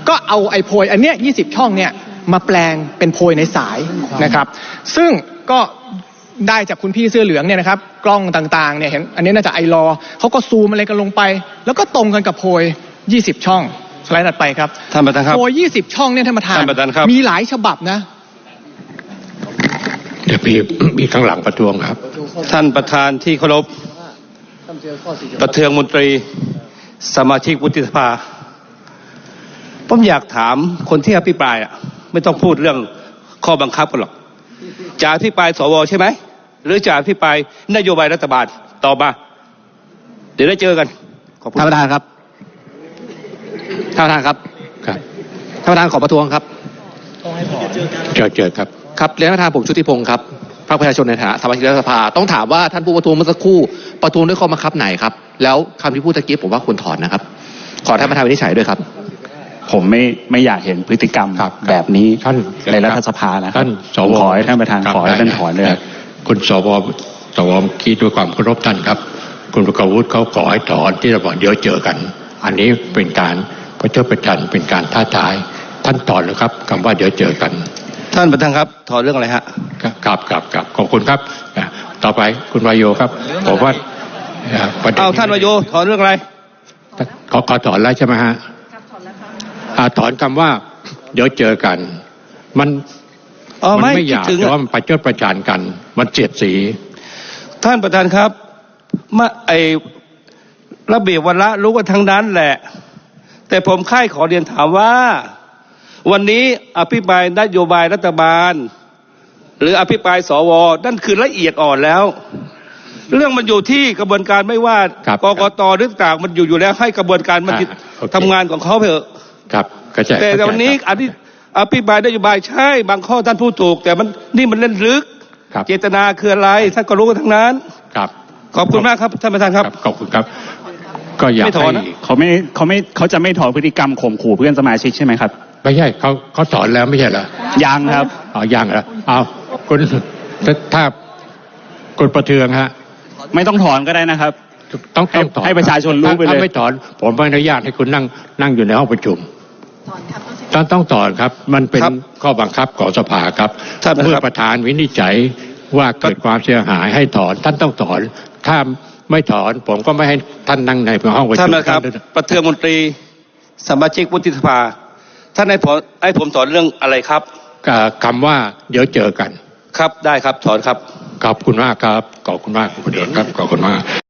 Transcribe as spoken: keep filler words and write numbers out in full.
ก็เอาไอ้โพยอันเนี้ยยี่สิบช่องเนี่ยมาแปลงเป็นโพยในสายนะครับซึ่งก็ได้จากคุณพี่เสื้อเหลืองเนี่ยนะครับกล้องต่างๆเนี่ยเห็นอันนี้น่าจะไอรอเขาก็ซูมอะไรกันลงไปแล้วก็ตรงกันกับโพยยี่สิบช่องสไลด์ถัดไปครับท่านประธานครับโพยยี่สิบช่องเนี่ยท่านประธานมีหลายฉบับนะเดี๋ยวพี่มีข้างหลังประท้วงครับท่านประธานที่เคารพประเทืองมนตรีสมาชิกวุฒิสภาผมอยากถามคนที่อภิปรายอ่ะไม่ต้องพูดเรื่องข้อบังคับกันหรอกจะอภิปรายสวใช่ไหมหรือจะอภิปรายนโยบายรัฐบาลต่อมาเดี๋ยวได้เจอกันขอบคุณท่านประธานครับท่านประธานครับครับท่านประธานขอประท้วงครับเจอเจอครับครับเรียนท่านประธานผมชุติพงศ์ครับพรรคประชาชนในฐานะสมาชิกรัฐสภาต้องถามว่าท่านผู้ประท้วงเมื่อสักครู่ประท้วงด้วยข้อบังคับไหนครับแล้วคำที่พูดตะกี้ผมว่าควรถอนนะครับขอท่านประธานวินิจฉัยด้วยครับผมไม่ไม่อยากเห็นพฤติกรรมแบบนี้ในรัฐสภานะท่านสวขอให้ท่านประธานขอให้ท่านถอนเลยคุณสวสวคิดด้วยความเคารพท่านครับคุณประกวุฒิเขาขอให้ถอนที่เราบอกเดี๋ยวเจอกันอันนี้เป็นการประชดประชันเป็นการท้าทายท่านถอนเลยครับคำว่าเดี๋ยวเจอกันท่านประธานครับถอนเรื่องอะไรฮะครับครับครับขอบคุณครับต่อไปคุณวายโยครับผมว่าเอาท่านวายโยถอนเรื่องอะไรขอขอถอนแล้วใช่ไหมฮะถอนคำว่าเดี๋ยวเจอกันมันมันไม่อยากแต่ว่ามันประชดประชันกันมันเสียดสีท่านประธานครับมาไอระเบียบวาระรู้กันทั้งนั้นแหละแต่ผมค่ายขอเรียนถามว่าวันนี้อภิปรายนโยบายรัฐบาลหรืออภิปรายสวนั่นคือละเอียดอ่อนแล้วเรื่องมันอยู่ที่กระบวนการไม่ว่ากกตหรือต่างมันอยู่อยู่แล้วให้กระบวนการมันทำงานของเขาเถอะครับแต่วันนี้อภิอภิปรายนโยบายใช่บางข้อท่านพูดถูกแต่มันนี่มันเล่นลึกเจตนาคืออะไรท่านก็รู้กันทั้งนั้นครับขอบคุณมากครับท่านประธานครับขอบคุณครับก็อยากให้เขาไม่เขาไม่เขาจะไม่ถอนพฤติกรรมข่มขู่เพื่อนสมาชิกใช่ไหมครับไม่ใช่เขาเขาถอนแล้วไม่ใช่เหรอยังครับอ๋อยังเหรอเอาคุณถ้าคุณประเทืองฮะไม่ต้องถอนก็ได้นะครับต้องต้องถอนให้ประชาชนรู้ไปเลยถ้าไม่ถอนผมไม่อนุญาตให้คุณนั่งนั่งอยู่ในห้องประชุมต้องต้องถอนครับมันเป็นข้อบังคับของสภาครับเมื่อประธานวินิจฉัยว่าเกิดความเสียหายให้ถอนท่านต้องถอนถ้าไม่ถอนผมก็ไม่ให้ท่านนั่งในห้องประชุมท่านนะครับประเทืองมนตรีสมาชิกวุฒิสภาท่านให้ผมให้ผมถอนเรื่องอะไรครับคำว่าเดี๋ยวเจอกันครับได้ครับถอนครับขอบคุณมากครับขอบคุณมากคุณประเทืองครับขอบคุณมาก